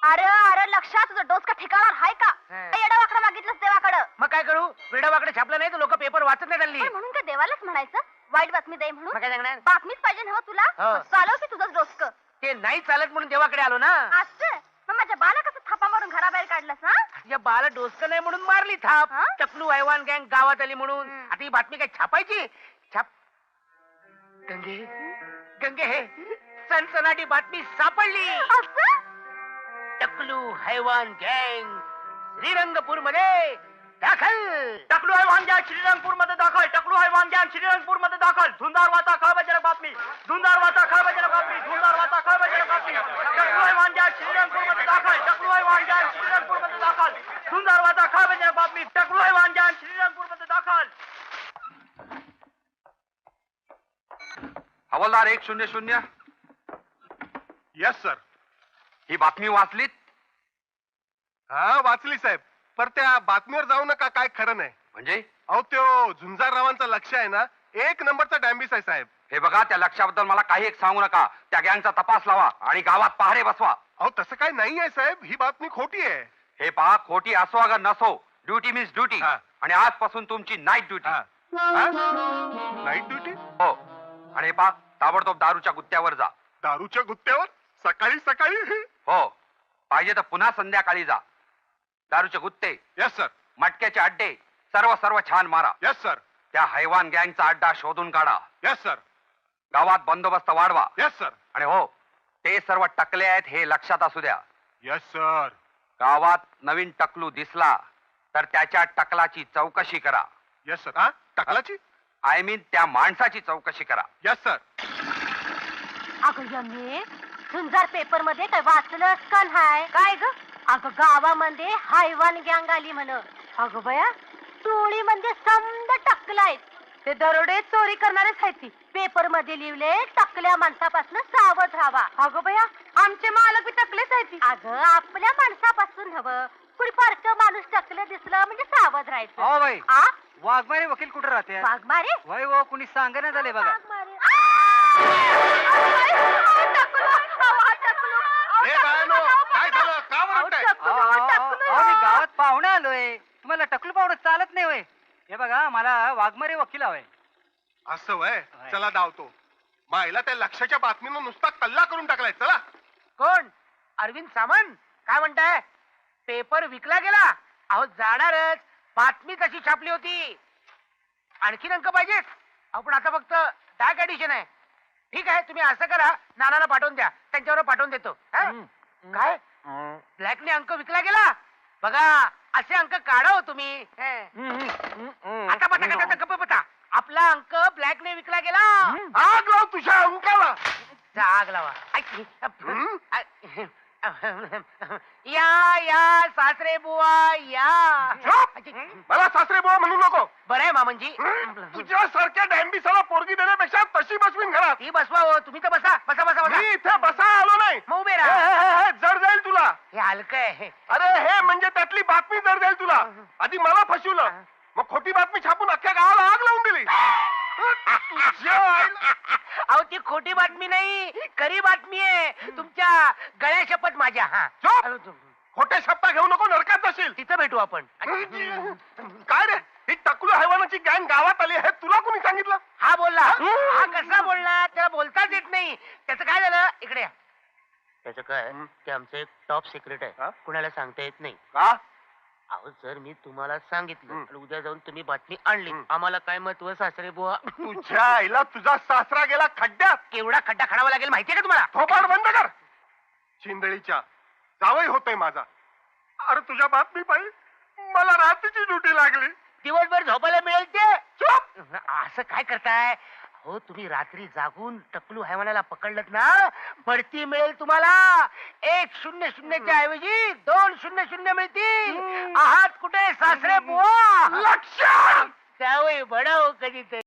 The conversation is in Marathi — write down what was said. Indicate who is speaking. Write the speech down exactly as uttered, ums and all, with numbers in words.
Speaker 1: अरे अरे लक्षात तुझं डोस का ठिकाणार हाय का? येडा वाकडं मागितलंस देवाकडं.
Speaker 2: मग काय करू? वेडा वाकडे छापलं नाही तर लोक पेपर वाचत नाही हल्ली.
Speaker 1: पण म्हणून काय देवालाच म्हणायचं वाईट बातमी दे म्हणून?
Speaker 2: मग काय सांगणार?
Speaker 1: बातमीच पाहिजे ना हो तुला.
Speaker 2: हो.
Speaker 1: चालव की तुझंच डोसक.
Speaker 2: ते नाही चालत म्हणून देवाकडे आलो ना.
Speaker 1: असं मग माझ्या बाला कसं थापा मारून घराबाहेर काढलंस हा?
Speaker 2: या बाला डोसकं नाही म्हणून मारली थाप.
Speaker 1: हा?
Speaker 2: टकलू हैवान गँग गावात आली म्हणून.
Speaker 1: हम्म.
Speaker 2: आता ही बातमी काय छापायची? छाप गंगे गंगे हे सनसनाटी बातमी सापडली.
Speaker 1: असं?
Speaker 2: टकलू हैवान गँग श्रीरंगपूर मध्ये दाखल. टकलू हैवान गँग श्रीरंगपूर मध्ये दाखल. टकलू हैवान गँग श्रीरंगपूर मध्ये दाखल. धुंदार वाचा खळबळजनक बातमी. धुंदार वाचा खळबळजनक बातमी. धुंदार वाचा खळबळजनक बातमी. टकलू हैवान गँग श्रीरंगपूर मध्ये दाखल. टकलू हैवान गँग श्रीरंगपूर मध्ये दाखल. धुंदार वाचा खळबळजनक बातमी. टकलू हैवान गँग श्रीरंगपूर मध्ये दाखल.
Speaker 3: हवालदार एक शून्य शून्य.
Speaker 4: Yes sir.
Speaker 3: ही बातमी वाचलीत?
Speaker 4: हा वाचली साहेब. पर त्या बातमीवर जाऊ नका, काय खरं नाही.
Speaker 3: म्हणजे
Speaker 4: अहो त्यो झुंजाररावांचा लक्ष आहे ना, एक नंबरचा डॅम्बिस आहे साहेब.
Speaker 3: हे बघा, त्या लक्षाबद्दल मला काही एक सांगू नका. त्या गँगचा तपास लावा आणि गावात पहारे बसवा.
Speaker 4: अहो तसं काय नाही आहे साहेब, ही बातमी खोटी आहे.
Speaker 3: हे पहा, खोटी असो अगर नसो, ड्युटी मीन्स ड्युटी.
Speaker 4: हा.
Speaker 3: आणि आजपासून तुमची नाईट ड्युटी.
Speaker 4: Night duty?
Speaker 3: हो. आणि हे पहा, ताबडतोब दारूच्या गुत्त्यावर जा.
Speaker 4: दारूच्या गुत्त्यावर सकाळी सकाळी?
Speaker 3: हो, पाहिजे तर पुन्हा संध्याकाळी जा. दारूचे गुत्ते,
Speaker 4: यस सर.
Speaker 3: मटक्याचे अड्डे सर्व सर्व छान मारा.
Speaker 4: Yes sir.
Speaker 3: त्या हैवान गँगचा अड्डा शोधून काढा.
Speaker 4: Yes sir.
Speaker 3: गावात बंदोबस्त वाढवा.
Speaker 4: Yes sir.
Speaker 3: आणि हो, ते सर्व टकले आहेत हे लक्षात असू द्या.
Speaker 4: Yes sir.
Speaker 3: गावात नवीन टकलू दिसला तर त्याच्या टकलाची चौकशी करा.
Speaker 4: Yes sir. हा टकलाची?
Speaker 3: आय मीन त्या माणसाची चौकशी करा.
Speaker 4: Yes sir.
Speaker 1: अगं यम्मे झुंजार पेपर मध्ये काय वाचलंस का नाही? काय ग? अगं गावामध्ये हायवान गँग आली म्हण. अगं बया, टोळी म्हणजे समद टकलायत. ते दरोडे चोरी करणारेच आहेत ती. पेपर मध्ये लिहिले टकल्या माणसापासून सावध राहावा. अगं बया, आमचे मालक बी टकलेच आहेत ती. अगं आपल्या माणसापासून हवं. कुणी पारक माणूस टकलं दिसलं म्हणजे सावध राहायचं.
Speaker 2: हो बाई,
Speaker 1: आ
Speaker 2: वाघमारे वकील कुठे राहते?
Speaker 1: वाघमारे?
Speaker 2: वय हो, कुणी सांगण्यात झाले बघा.
Speaker 1: वाघमारे. आ! अहो, टकलू, अहो, टकलू, अहो,
Speaker 4: हे
Speaker 1: टकलू,
Speaker 4: बायानो,
Speaker 1: अहो,
Speaker 4: काय झालं? का
Speaker 1: अहो,
Speaker 4: ओरडताय?
Speaker 1: टकलू, अहो, टकलू.
Speaker 2: मी गावात पाहुणे आलोय. तुम्हाला टकलू पाहुणं चालत नाही होय? हे बघा, मला वाघमारे वकील हवाय.
Speaker 4: असं वय.
Speaker 2: होय.
Speaker 4: चला धावतो. मायला त्या लक्षाच्या बातमीनं नुसता कल्ला करून टाकलाय. चला.
Speaker 2: कोण? अरविंद सामंत. काय म्हणताय? पेपर विकला गेला? अहो जाणारच, बातमी तशी छापली होती. आणखीन अंक पाहिजेत? अहो पण आता फक्त डाक ऍडिशन आहे. ठीक आहे, तुम्ही असं करा, नानाला पाठवून द्या, त्यांच्यावर पाठवून देतो. हा? काय ब्लॅकने अंक विकला गेला? बघा, असे अंक काढा हो तुम्ही. आता पता कसा गप्प बता. आपला अंक ब्लॅकने विकला गेला.
Speaker 4: आग लाव तुझ्या अंकाला.
Speaker 2: आग लावा. या या सासरे बुवा या.
Speaker 4: झोप. मला सासरे बुवा म्हणू नको.
Speaker 2: बरं आहे मामनजी.
Speaker 4: तुझ्या सारख्या डॅम्बिसाला पोरगी देण्यापेक्षा तशी बसवीन घरात.
Speaker 2: ती बसवा हो, तुम्ही तर बसा बसा बसा बसा.
Speaker 4: मी इथे बसा आलो नाही.
Speaker 2: मग उभे
Speaker 4: हे,
Speaker 2: राहा.
Speaker 4: हे, हे, जड जाईल तुला.
Speaker 2: हे हलकं आहे.
Speaker 4: अरे हे म्हणजे त्यातली बातमी जड जाईल तुला. आधी मला फसवलं, मग खोटी बातमी छापून अख्ख्या गावाला आग लावून दिली. तुझ्या आईला-
Speaker 2: अहो ती खोटी बातमी नाही, खरी बातमी आहे. तुमच्या गळ्या शपथ माझ्या. हा
Speaker 4: झोप.
Speaker 2: हॅलो, तू-
Speaker 4: खोटे शब्द घेऊ नको, नरकात जाशील.
Speaker 2: तिथं भेटू आपण.
Speaker 4: काय रे, ही टकलू हैवानाची गँग गावात आली हे तुला कोणी सांगितलं?
Speaker 2: हा बोलला. हा कसा बोलला? त्याला बोलताच येत नाही. त्याचं काय झालं? इकडे या. त्याचं काय, ते आमचं एक टॉप सिक्रेट
Speaker 4: हा?
Speaker 2: आहे, कुणाला सांगता येत नाही.
Speaker 4: का?
Speaker 2: अहो जर मी तुम्हाला सांगितलं
Speaker 4: हं.
Speaker 2: आणि उद्या जाऊन तुम्ही बातमी आणली,
Speaker 4: हं.
Speaker 2: आम्हाला काय महत्व सासरे बुवा?
Speaker 4: तुझ्या आईला तुझा सासरा गेला खड्ड्यात.
Speaker 2: केवढा खड्डा खणावा लागेल माहितीये का तुम्हाला?
Speaker 4: थोपाड बंद कर. चिंदळीच्या जावई होतोय माझा. अरे तुझ्या बातमी पाहिजे मला रात्रीची ड्युटी लागली.
Speaker 2: दिवसभर झोपायला मिळेल ते.
Speaker 4: चुप.
Speaker 2: असं काय करताय? हो तुम्ही रात्री जागून टकलू हैवानाला पकडलत ना, बढती मिळेल तुम्हाला. एक शून्य शून्यच्या ऐवजी दोन शून्य शून्य मिळतील. आहात कुठे सासरे बुवा?
Speaker 4: लक्ष.
Speaker 2: त्यावेळी बडाव कधीतरी.